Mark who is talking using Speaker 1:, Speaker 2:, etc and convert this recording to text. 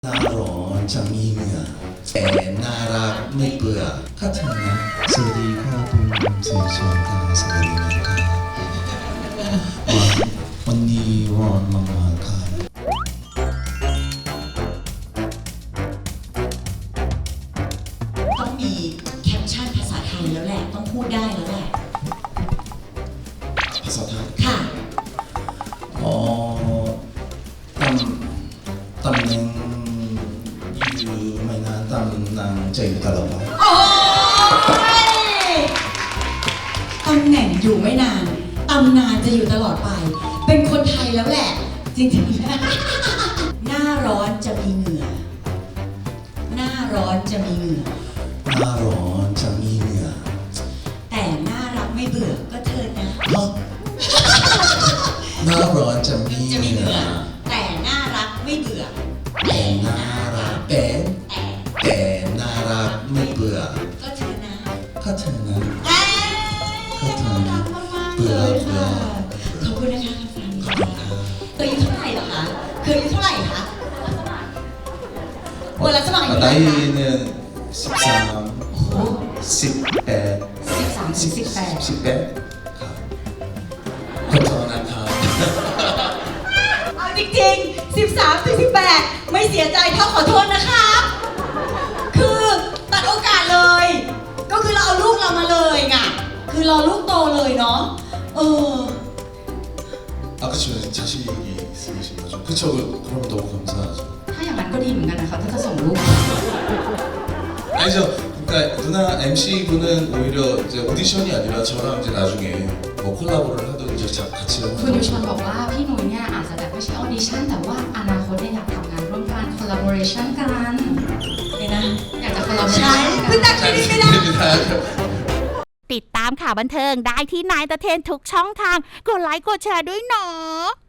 Speaker 1: หน้าร้อนจะมีเหงื่อแต่น่ารักไม่เบื่อข้าเธอนะสวัสดีครับผมเสียชวนกันสวัสดีนะครับวันนี้ร้อนมากๆครับ
Speaker 2: ต้องมีแคปชั่นภาษาไทยแล้วแหละต้องพูดได้แล้วแหละ
Speaker 1: ภาษาไทย
Speaker 2: ค่ะ
Speaker 1: อ๋อตำแหน่งอยู่ไม่นานตำแหน่งจะอยู่ตลอดไป
Speaker 2: โอ้ยตำแหน่งอยู่ไม่นานตำนานจะอยู่ตลอดไปเป็นคนไทยแล้วแหละจริงๆหน้าร้อนจะมีเหงื่อหน้าร้อนจะมีเหงื่อ
Speaker 1: หน้าร้อนจะมีเหงื่อ
Speaker 2: แต่น่ารักไม่เบื่อก็เธอนะ
Speaker 1: หน้าร้อนจะมีเหงื่อ
Speaker 2: แต่น่ารักไม่เบื่อ
Speaker 1: แต่น่ารักแต่น่ารักไม่เบื่อ
Speaker 2: ก็เธอนะ
Speaker 1: ข้าเธอนะ
Speaker 2: ก็เธอนะเบื่อค่ะขอบคุณนะคะคุณฟันเคยอายุเท่าไหร่เหรอคะเคยอายุเท่าไหร่คะเวลาสมัครอายุเท่าไหร่คะ
Speaker 1: 나이는 13, 18ครับขอโทษนะครับ
Speaker 2: เอาจริงๆ13-18ไม่เสียใจเท่าขอโทษนะครับคือตัดโอกาสเลยก็คือเราเอาลูกเรามาเลยไงคือรอลูกโตเลยเนาะ
Speaker 1: 그쵸 자식이 있으신 거죠 그쵸 그럼 너무 감사하죠
Speaker 2: ถ้าอย่างนั้นก็ดีเหมือนกันนะคะถ้าจะส่งลูก
Speaker 1: 아니죠 그러니까 누나 MC분은 오히려 이제 오디션이 아니라 저랑 이제 나중에 뭐 콜라보를 하든지 같이
Speaker 3: คุณยุชนบอกว่าพี่นุ้ยเนี่ยอาจจะแบบไม่ใช่ออดิชั่นแต่ว่าอนาคตเนี่ยอยากทำงานร่วมกัน collaboration กัน
Speaker 2: นะ
Speaker 3: อยากจะ collaboration
Speaker 2: ใช่คุณตักคิดไม่ได้
Speaker 4: ติดตามข่าวบันเทิงได้ที่นายตะเทนทุกช่องทางกดไลค์กดแชร์ด้วยเนาะ